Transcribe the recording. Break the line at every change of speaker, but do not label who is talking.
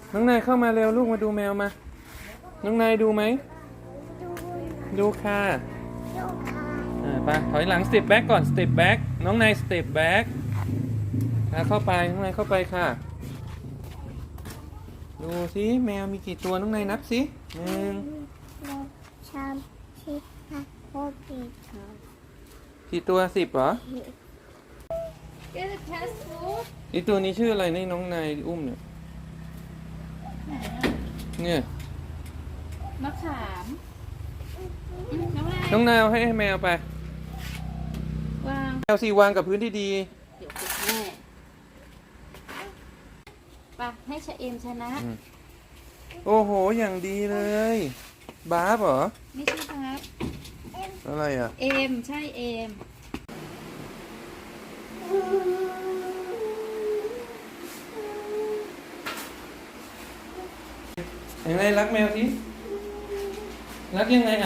น้องนายเข้ามาเร็วลูกมาดูแมวมาน้องนายดูไหมดูค่ะไปถอยหลังสเต็ปแบ็กก่อนสเต็ปแบ็กน้องนายสเต็ปแบ็กเข้าไปน้องนายเข้าไปค่ะดูสิแมวมีกี่ตัวน้องนายนับสิกี่ตัว10เหรออีตัวนี้ชื่ออะไรนี่น้องนายอุ้มเนี่ย
มะขาม
น้องนายเอาให้แมวไป
วาง
แมวสิวางกับพื้นที่ดี
เดี๋ยวคุณแม่ไปให้ชะเอมชนะ
โอ้โหอย่างดีเลยบาร์บเหรอ
ไม่ใช่ครับ
อะไรอ่ะ
เอมใช่เอม
ยังไงรักแมวสิรักยังไง